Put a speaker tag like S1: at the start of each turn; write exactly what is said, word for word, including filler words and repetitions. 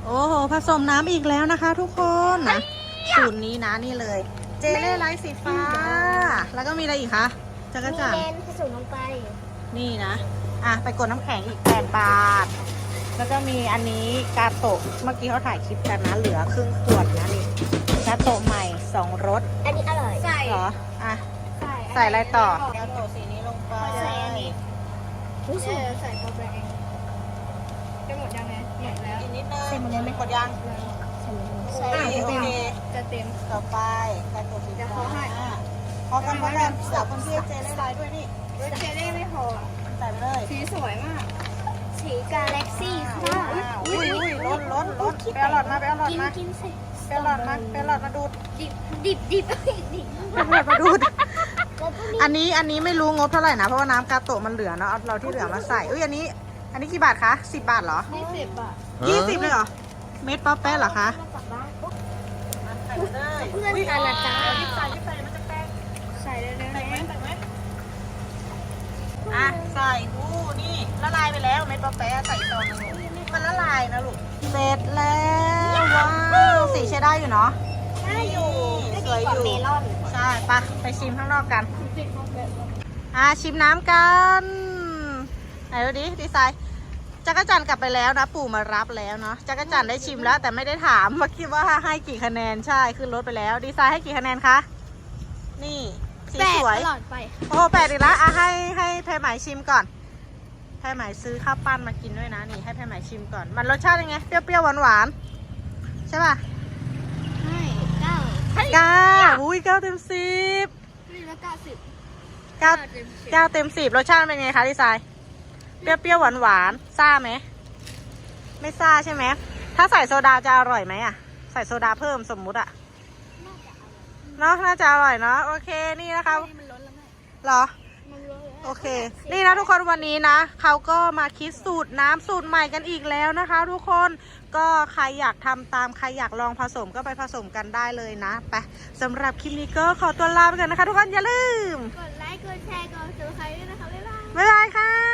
S1: โอ้โหผสมน้ำอีกแล้วนะคะทุกคนนะสูตรนี้นะนี่เลย เจเล่ไลท์สีฟ้า แล้วก็มีอะไรอีกคะจักร
S2: มี
S1: จันท
S2: เล
S1: ร์
S2: นผสมลงไป
S1: นี่นะอ่ะไปกดน้ำแข็งอีกแปดบาทแล้วก็มีอันนี้กาโตะเมื่อกี้เขาถ่ายคลิปกันนะเหลือครึ่งขวดนะนี่กาโตะใหม่สองรส
S2: อันนี้อร่อยใส่
S1: เหรออ่ะ
S2: ใส่
S1: ใส่อะไรต่อกาโตะสีนี้ลงไป
S2: ใส่อันนี้เออใส่โปรแกรมจะหมดยังไงหมดแล้ว
S1: อีกนิดนึง
S2: ใส่หมดเลยไหม
S1: กดยัง
S2: ใส่
S1: โอเค
S2: เต็ม
S1: โอเค
S2: จะเต็ม
S1: ต่อไปกาโตะสี
S2: เดี๋ยว
S1: ฟ้า
S2: เขาให้
S1: พอกันพอกันเสิร์ฟคนที่เจเล่ไลท์ด้วยนี่
S2: รสเจเล่ไม่พอ
S1: ใส่ไปเลย
S2: สีสวยมาก สีกาแล็กซี่ค่ะ
S1: ว้าวอุ้ยอุ้ยล้นล้นล้นไปเอาหลอดมาไปเอาหลอด
S2: กิน
S1: มา
S2: กินสิ
S1: ไปเอาหลอดมาไปเอาหลอดมาดูด
S2: ดิบดิบดิบดิบ
S1: ไปเอาหลอดมาดูด
S2: แล้วก็มี
S1: อันนี้อันนี้ไม่รู้งบเท่าไหร่นะเพราะว่าน้ำกาโตะมันเหลือเนาะเอาเราที่เหลือมาใส่อุ้ยอันนี้ อันนี้กี่บาทคะสิบบาทเหรอ
S2: ยี่สิบบาท
S1: ยี่สิบเลยเหรอเม็ดป๊อปแป๊ะเหรอคะ
S2: มาจากบ้านปุ๊บ
S1: ใส่ไปเลย
S2: เพื่อนกันนะจ๊ะ
S1: ยิบใส่ยิบใส่มันจะแป้ง
S2: ใส่เลยนะ
S1: ใส่ไหมใส่ไหมอ่ะใส่อู้นี่ละลายไปแล้วเม็ดป๊อปแป๊ะใส่ตอนนึงมันละลายนะลูกเสร็จแล้วว้าวสีใช้ได้อยู่เนาะ
S2: ได้อยู่ได้
S1: ส
S2: ดี
S1: วย
S2: กว่า
S1: อยู่
S2: เมลอน
S1: ใช่ปะไปชิมข้างนอกกัน
S2: ติดของแบบ
S1: อ่ะชิมน้ำกันไหนดูดิดีไซน์จักรจันทร์กลับไปแล้วนะปู่มารับแล้วเนาะจักรจันทร์ได้ชิมแล้วแต่ไม่ได้ถามว่าคิดว่าให้กี่คะแนนใช่ขึ้นรถไปแล้วดีไซน์ให้กี่คะแนนคะนี่สี
S2: แปด
S1: สวย
S2: ตลอดไป
S1: โอ้แปดอีกแล้วอ่ะให้ให้แพรไหมชิมก่อนแพรไหมซื้อข้าวปั้นมากินด้วยนะนี่ให้แพรไหมชิมก่อนมันรสชาติยังไงเปรี้ยวๆหวานๆใช่ป่ะ
S2: ให้เก้า
S1: เก้าอุ้ยเก้าเต็มสิบ
S2: นี่แล้วเก้าสิบ
S1: เก้า
S2: เต็มสิบ
S1: เก้าเต็มสิบรสชาติเป็นไงคะดีไซน์เปรี้ยวๆหวานๆซ่าไหมไม่ซ่าใช่ไหมถ้าใส่โซดาจะอร่อยไหมอ่ะใส่โซดาเพิ่มสมมุติอ่ะ
S2: น่าจะอร่อย
S1: เนาะน่าจะอร่อยเนาะโอเคนี่นะคะ
S2: นี่มันล้นแล้วแม่
S1: เหรอ
S2: มันล้นแล้ว
S1: โอเค นี่นะทุกคนวันนี้นะเขาก็มาคิดสูตรน้ำสูตรใหม่กันอีกแล้วนะคะ ทุกคนก็ใครอยากทำตามใครอยากลองผสมก็ไปผสมกันได้เลยนะไปสำหรับคลิปนี้ก็ขอตัวลาไปก่อนนะคะ ทุกคนอย่าลืม
S2: กดไลค์กดแชร์กดซับสไครต์ด้วยนะคะบ๊ายบาย
S1: บ๊ายบายค่ะ